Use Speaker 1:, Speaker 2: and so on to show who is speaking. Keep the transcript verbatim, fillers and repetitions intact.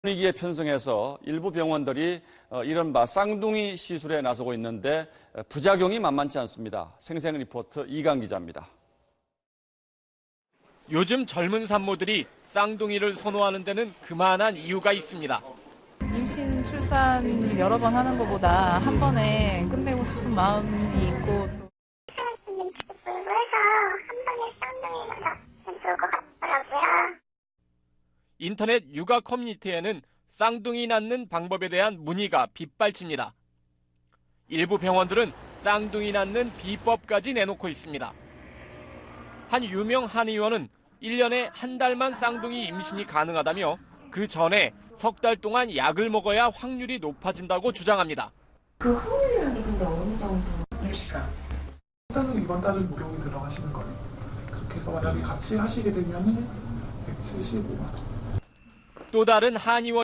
Speaker 1: 분위기에 편승해서 일부 병원들이 이른바 쌍둥이 시술에 나서고 있는데 부작용이 만만치 않습니다. 생생 리포트 이강 기자입니다.
Speaker 2: 요즘 젊은 산모들이 쌍둥이를 선호하는 데는 그만한 이유가 있습니다.
Speaker 3: 임신, 출산 여러 번 하는 것보다 한 번에 끝내고 싶은 마음이 있고 또
Speaker 2: 인터넷 육아 커뮤니티에는 쌍둥이 낳는 방법에 대한 문의가 빗발칩니다. 일부 병원들은 쌍둥이 낳는 비법까지 내놓고 있습니다. 한 유명 한의원은 일 년에 한 달만 쌍둥이 임신이 가능하다며 그 전에 석 달 동안 약을 먹어야 확률이 높아진다고 주장합니다.
Speaker 4: 그 확률이라는 게 근데 어느 정도?
Speaker 5: 육십 gram. 일단은 이번 달은 무료로 들어가시는 거예요. 그렇게 해서 만약에 같이 하시게 되면은 백칠십오만 원.
Speaker 2: 또 다른 한의원